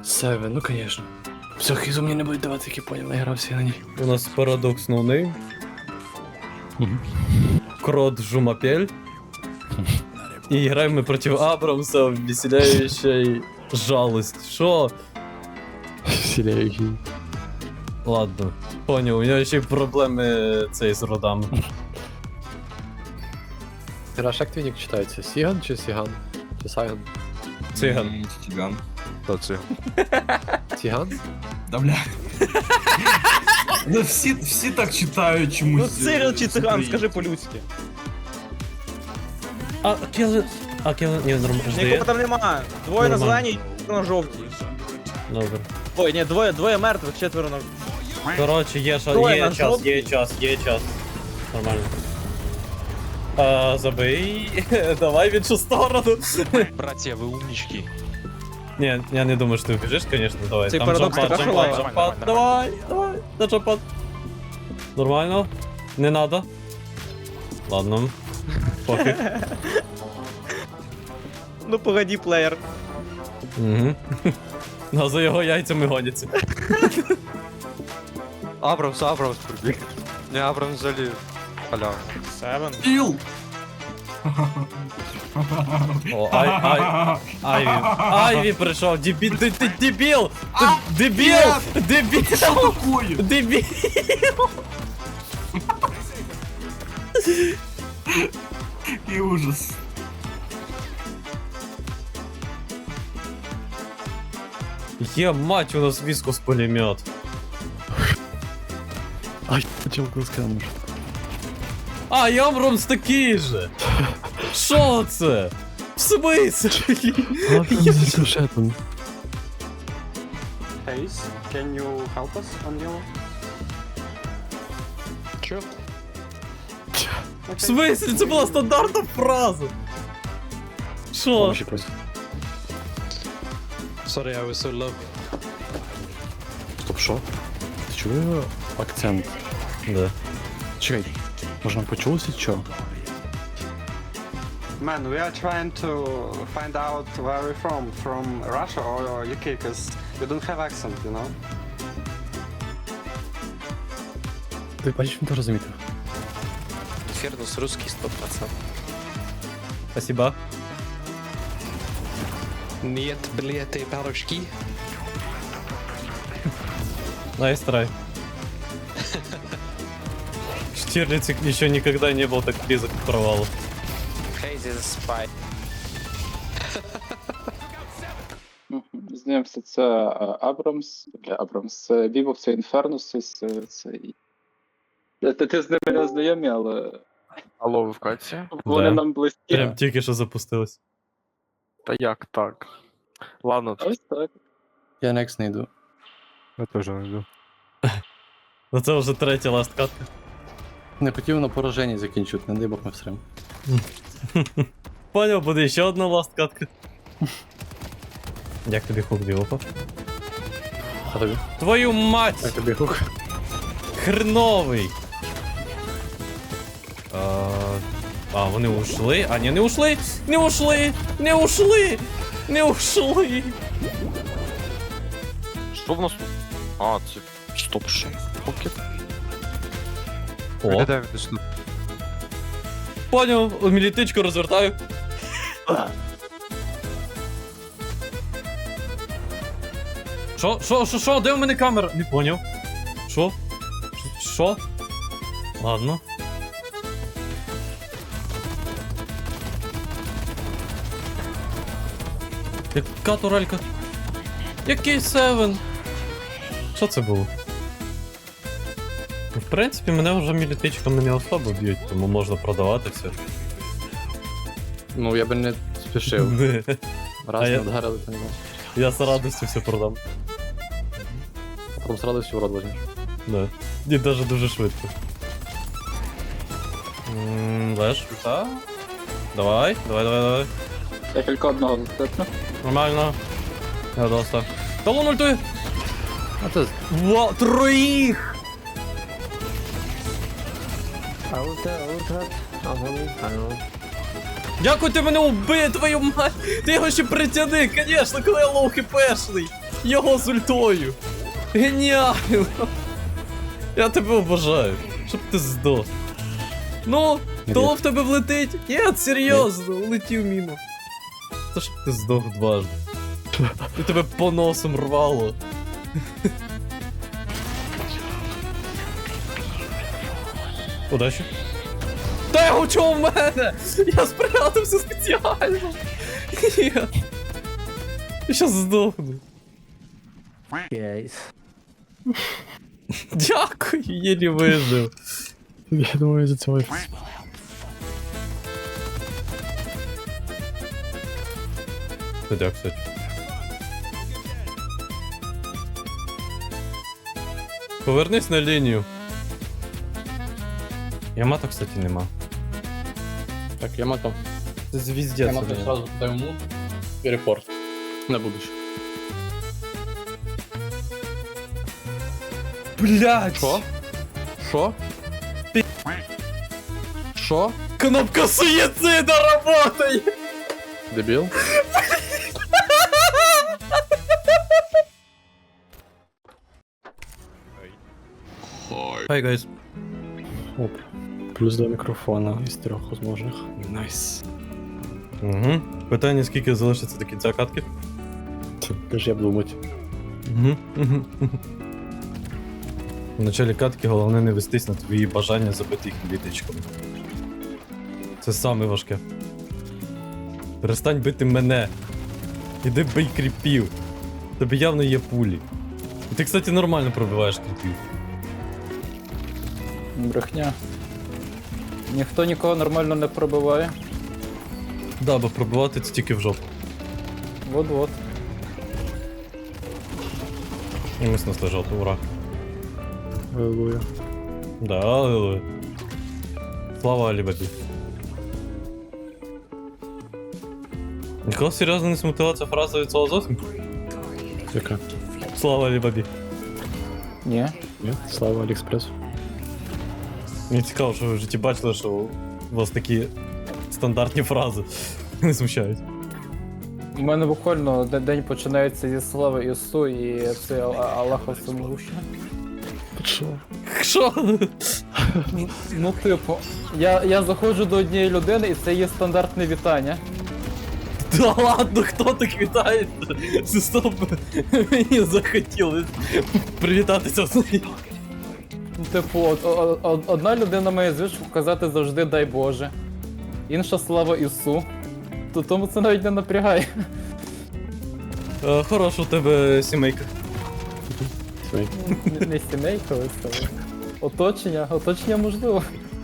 Севен, ну конечно. Все, хизу мне не будет давать, як я понял, наигрався на ней. У нас парадокс ноунейм. Крот Жумапель. И играем мы против Абрамса в веселяющей жалость. Шо? Вселяющий. Ладно, понял, у нього ще й проблеми цей з родами. Раш, як твій нік читається? Сіган чи Сіган? Чи Сайган? Циган. Циган. Хто це? Сіган? Да бля. Ну всі так читають чомусь. Ну Цирил чи циган, скажи по-людськи. А Келлен... Ні, нормально, Нікого жди. там нема. Двоє на Нормально. зеленій, на жовтій. Добре. Ой, ні, двоє мертвих, четверо на... Коротше, Троє є на час, жовтій. є час. Нормально. Забий. Давай в іншу сторону. Братья, вы умнички. Ні, я не думаю, що ти вбіжиш, конечно, давай. Цей Там парадокс джампад, така джампад, шалава. джампад. Давай, на джампад. Нормально. Не надо. Ладно. Пофіг. Ну погоді, плеєр. Угу. Ну, за його яйцями гоняться. Абрамс прибіг. Не, Абрамс взагалі халява. Севен. Іл! О, Айві прийшов, дебіл, ти дебіл! Дебіл! Дебіл! Такое! Дебіл! Який ужас. Є мать, у нас вискус пулемет. Ай, челку скануш. А, і Абрамс такий же! Шо це? В смысле? А, я за сюжетом. Ace, can you help us on yellow? Чо? В смысле? Це була стандартна фраза. Шо? Помощи просит. Sorry, I was so low. Стоп, шо? Ти чує акцент? Да. Чекай, може нам почулося чо? Man, we are trying to find out where we're from Russia or UK, because we don't have accent, you know? Ти бачиш, він теж замітив. Фернус русский 100%. Спасибо. Нет, блядь, этой парочки. Найс трай. Штирлиц еще никогда не был так близок к провалу. Crazy the spy. Знайомство, це Абрамс, це Вівов, це Інфернус, це... Ти з ними не знайомі, але Алло, ви в каці? вони Да. нам близькі. Прям тільки що запустилось. Та як так? Ладно, Ось так. Я next не йду. я теж не йду. Ну це вже третя ласткатка. Не хотів на пораженні закінчувати, не дай Бог ми всрем. Понял, буде ще одна ласткатка. Як тобі хук Діопа? А тобі? Твою мать! Як тобі хук? Хреновий! Вони ушли? А, ні, не ушли! Не ушли! Не ушли! Не ушли! Що в нас тут? А, це... Стоп, що? Покет? О, Виглядає він десь тут. понял, мілітичку розвертаю. Шо? Де у мене камера? Не поняв. Шо? Ладно. Яка турелька? Який севен? Що це було? В принципі, мене вже мілітичками не особо б'ють, тому можна продавати все. Ну, я би не спішив. Раз А не я- вдарили, то не бачиш. Я з радістю все продам. А потім з радістю в рот возьмеш. Да. І даже дуже швидко. Леш, та? Давай. Я тільки одного достатньо. Нормально. Я достав. Талон ультує! А ти... Ва, троїх! Дякую, ти мене убив, твою мать! Ти його ще притяни, конечно, коли я лоу хпшний! Його з ультою! Геніально! Я тебе обожаю, щоб ти здох. Ну, то в тебе влетить? Ні, серйозно, улетів мимо. Та щоб ти здох дважди. І тебе по носом рвало. Удачі. Та його чого в мене? Я спрятався спеціально. Я щас здохну. Дякую, єлі вижив. Я думаю, за цього. Дядя, кстати. Повернись на лінію. Ямато, кстати, нема. Так, Ямато. Це звіздець. Ямато сразу дай ему и репорт. На будущее. Блять! Що? Що? Що? Кнопка суїцида работає! Дебіл? Hi guys. Оп. Плюс 2 мікрофона із 3 возможних. Найс. Угу. Питання, скільки залишиться до кінця катки? Теж я б думати. Угу. В началі катки головне не вестись на твої бажання забити їх квіточками. Це саме важке. Перестань бити мене. Іди бий кріпів. Тобі явно є пулі. І ти, кстати, нормально пробиваєш кріпів. Брехня. Ніхто нікого нормально не пробиває. Да, бо пробивати це тільки в жопу. Вот-вот. І ми снесли жовту, ура. Аллилуйя. Да, аллилуйя. Слава Алібабі. Нікого серйозно не смутила ця фраза від слова зовсім? Яка? Слава Алібабі. Ні. Ні? Слава Аліекспресу. Мені цікаво, що ви в житті бачили, що у вас такі стандартні фрази не смущають. У мене буквально день починається зі слави Ісу і це Аллаха всемогущий. Що? Що? Ну, типу, я заходжу до однієї людини і це є стандартне вітання. Да ладно, хто так вітається? Стоп, мені захотілося привітатися з нею. Ну, типу, одна людина має звичку казати завжди дай Боже. Інша слава Ісу. Тому це навіть не напрягає. Хороша у тебе сімейка. Не сімейка, але це. Оточення можливо.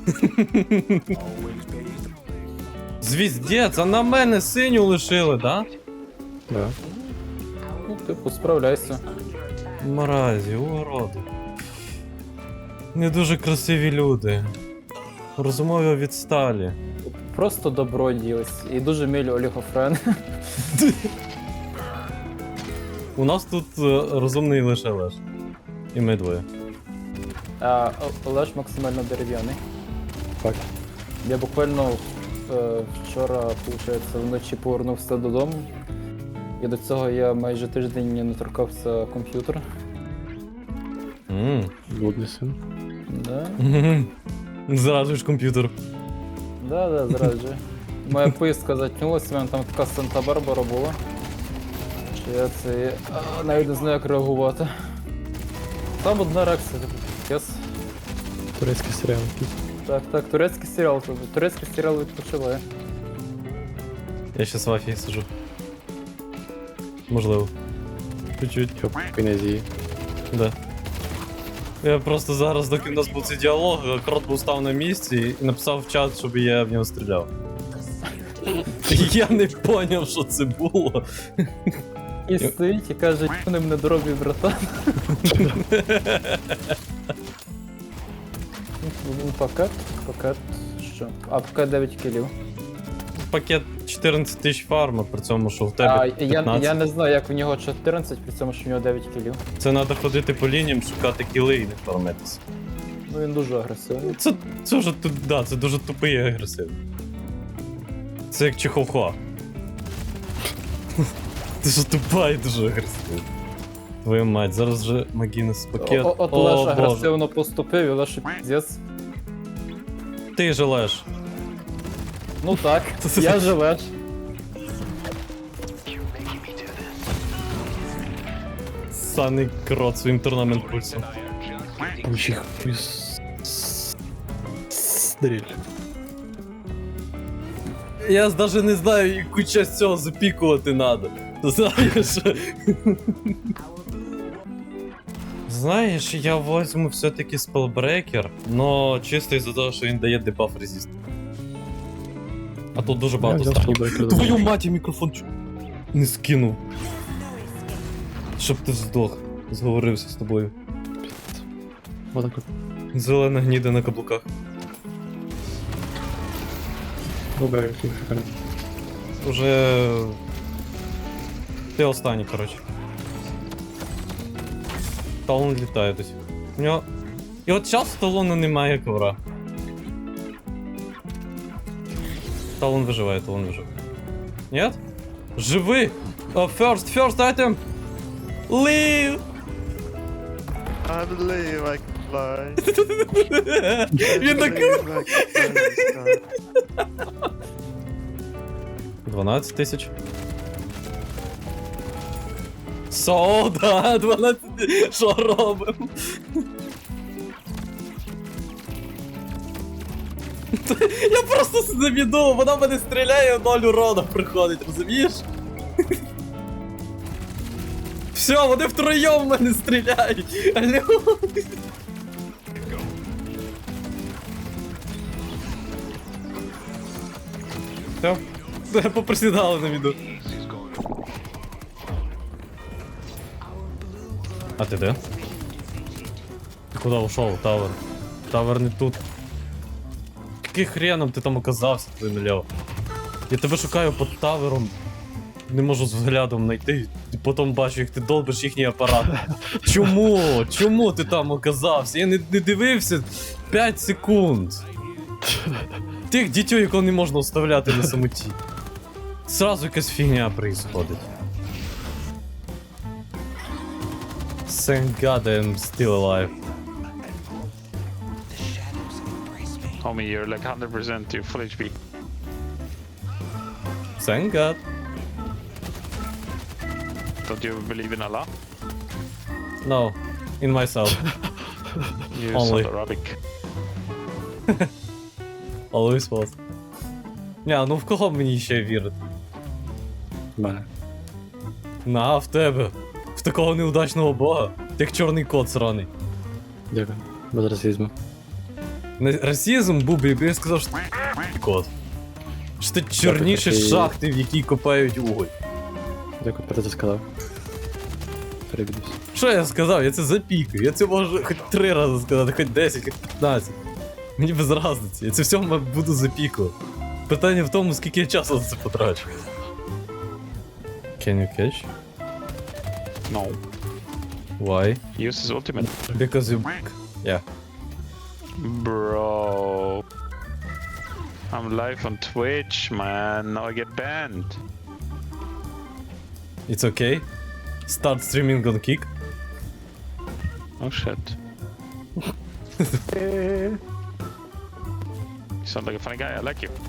Звіздець, а на мене синю лишили, да? Да. Ну, типу, справляйся. Мразі, уроди. Не дуже красиві люди. Розумові відсталі. Просто добро ділись. І дуже милі олігофрени. У нас тут розумний лише Леш. І ми двоє. А Олеж максимально дерев'яний. Так. Я буквально вчора, виходить, вночі повернувся додому. І до цього я майже тиждень не торкався комп'ютера. Блудний син. Да? Зраджуєш комп'ютер. Да, зраджую. Моя поїздка затягнулася, в мене там така Санта-Барбара була. Що я це навіть не знаю, як реагувати. Там одна реакція, yes. Турецький серіал якийсь. Так, турецький серіал, турецький серіал відпочиває. Я щас в Афії сижу. Можливо. Чуть-чуть. Йоп, князі. Да. Я просто зараз, доки в нас був цей діалог, крот був став на місці і написав в чат, щоб я в нього стріляв. Я не поняв, що це було. І стоїть і каже, вони мене дробі, братан. Пакет, що? А, пакет 9 кілів. Пакет 14 тисяч фарма, при цьому, що в тебе 15. Я не знаю, як в нього 14, при цьому, що в нього 9 кілів. Це треба ходити по лініям, шукати кіли і не фармитися. Ну він дуже агресивний. Це вже да, це дуже тупий і агресивний. Це як Чеховхуа. Ти ж тупа і дуже агресивний. Твою мать, зараз же Магінес пакет. От О, Леш Боже. агресивно поступив, і Леш піздець. Ти же Леш. Ну так, я же Леш. Саний крот своїм турнамент пульсом. Учих стріль. Я даже не знаю, яку часть цього запікувати надо. Знаєш? Знаєш, я возьму все-таки спелбрекер, но чисто із-за того, що він дає дебаф резист. А тут дуже Я багато взяв станів. спелбрекер. Твою мать, я мікрофон не скинув. Щоб ти здох. Зговорився з тобою. Отак от. Зелена гніда на каблуках. Добре, який шикарний. Уже... Ти останній, коротше. Талон літає досі. У нього... І от час у Талона немає ковра. Талон виживає, Талон виживає. Нет? Живи! First item! Leave! I believe I can fly. Він такий... 12 тисяч. Да, 12 тисяч. Що робимо? Я просто завіду, вона мене стріляє, 0 урона приходить, розумієш? Все, вони втроєм в мене стріляють. Алло. Все, поприсідали на віду. А ти де? Ти куди ушов, Тавер? Тавер не тут. Яким хреном ти там оказався, твій наліво? Я тебе шукаю під тавером. Не можу з взглядом знайти. І потім бачу, як ти долбиш їхній апарат. Чому? Чому ти там оказався? Я не дивився 5 секунд. Тих дітей, якого не можна оставляти на самоті. Сразу якась фігня происходить. Thank God I'm still alive. Homie, you're like 100% to full HP. Thank God. Don't you believe in Allah? No. In myself. You Only. sound Arabic. Always was. Ня, ну в кого мені ще вірити? Мене. На, в тебе. В такого неудачного бога. Ти як чорний кот сраний. Дякую. Без расизму. Расизм був би, якби я сказав, що ти кот. Що ти чорніше такий- шахти, в якій копають уголь. Дякую, про це сказав. Перебідусь. Що я сказав? Я це запікаю. Я це можу хоч 3 рази сказати, хоч 10, хоч 15. Мені без разниці. Я це все буду запікувати. Питання в тому, скільки я часу за це потрачу. Can you catch? No. Why? Use his ultimate. Because you... Yeah. Bro. I'm live on Twitch, man. Now I get banned. It's okay. Start streaming on Kick. Oh shit. You sound like a funny guy. I like you.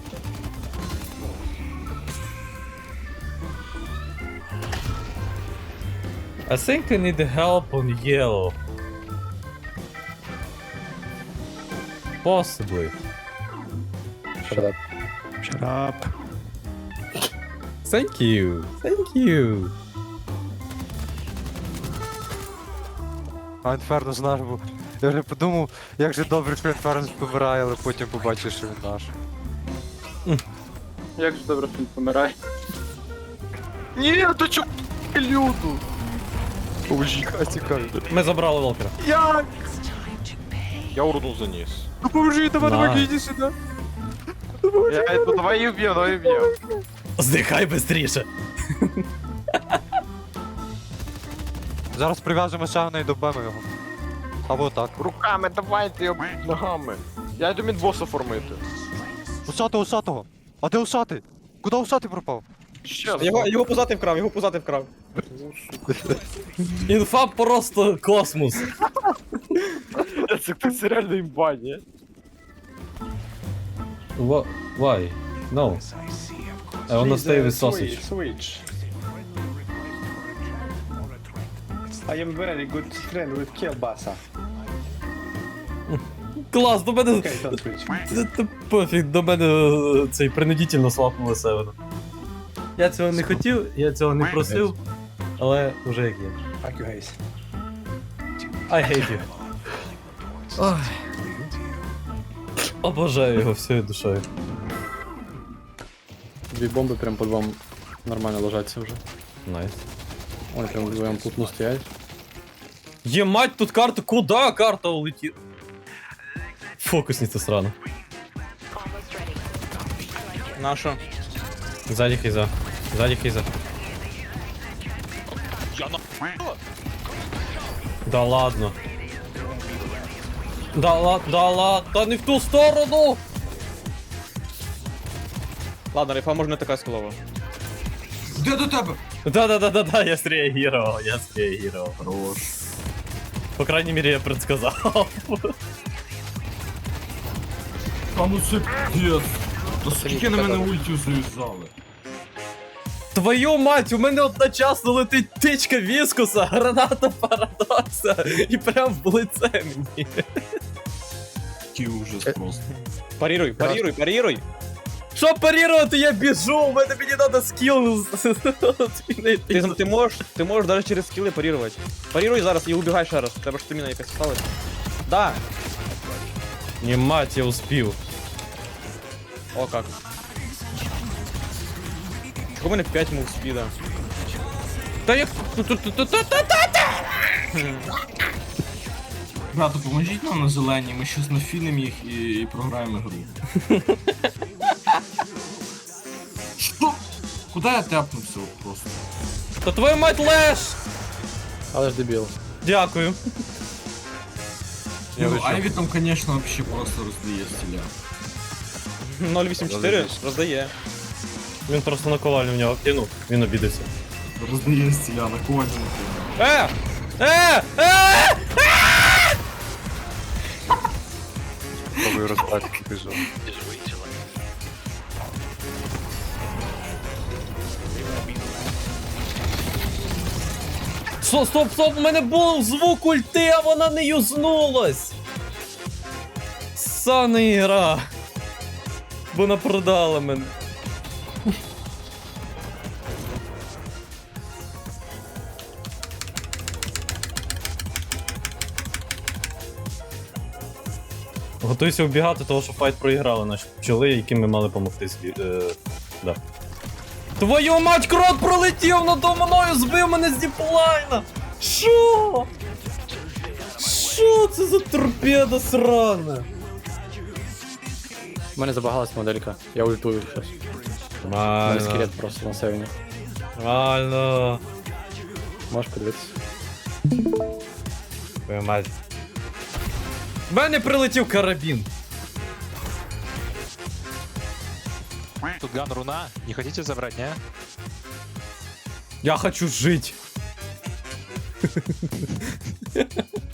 I think I need help on yellow. Possibly. Shut Shut up. Thank you. Thank you. А Інферно наш був. Я вже подумав, як же добре, що Інферно помирає, але потім побачив, що він наш. Як ж добре, що він помирає. Ні, то чо люду? Поможіть, тікай. Ми забрали Волкера. Як? Я урну заніс. Ну поможи, давай, Давай. давай, іди сюди. Давай її вб'ємо, давай її вб'ємо. Здихай быстріше. Зараз прив'яжемо ще і добимо його. Або так. Руками давайте, його ногами. Я йду від боса формити. Усатого, усатого. А де усатий? Куди усатий пропав? Його пузатий вкрав, його пузатий вкрав. Інфа просто космос. Це реально імба, ні? Why? No. I wanna stay with sausage. Switch. I am very good friend with kielbasa. Клас, до мене... Okay, don't switch. Та пофіг, до мене цей принудительно свапнули Севена. Я цього не хотів, я цього не просив, але вже як є. Fuck you, guys. I hate you. Ой. Обожаю його всією душею. Дві бомби прям по двом нормально ложаться вже. Найс. Вони прям вдвоєм плотно стоять. Ємать, тут карта, куда карта улетіла? Фокусниця срана. Наша. Сзади хейза. Сзади хейза. Да ладно. Да ладно, да не в ту сторону! Ладно, рейфа може не така склова. Де до тебе? Да, я среагировал. Хорош. По крайней мере, я предсказал. А ну це піздець. Та скільки на мене ультів зав'язали? Твою мать, у мене одночасно летить тичка віскуса, граната парадокса і прям в лице мені. Який ужас просто. Парируй, парируй, парируй. Що парірувати, я біжу, у мене мені треба скіл змінити. Ти можеш навіть через скіли парірувати. Парируй зараз і убігай ще раз. Треба ж стаміна якась сталась. Да. Не мать, я успів. О, как. У мене 5 мув спіда. Та як... Брато, поможіть нам на зелені, ми щось нафінимо їх і програємо гру. Що? Куди я тепнувся от просто? Та твою мать леш! Але ж дебіл. Дякую. Ну, Айві там, конечно, вообще просто роздає стіля. 084 роздає. Він просто на ковальню в нього кинув, він обідався. Роздає стіля на коні. Е! Пробую розбати, біжу. Стоп, у мене був звук ульти, а вона не юзнулась. Сана ігра. Бо вона продала мене. Готуйся вбігати, того що файт проіграли наші пчоли, яким ми мали помогти да. Твою мать, крот пролетів надо мною, збив мене з діплайна! Шо? Шо це за торпеда срана? У мене забагалась моделька. Я ультую щас. У мене скелет просто на севені. Нормально. Можеш подивитися. Твою мать. В мене прилетів карабін. Тут ган руна, не хотите забрать, не? Я хочу жить.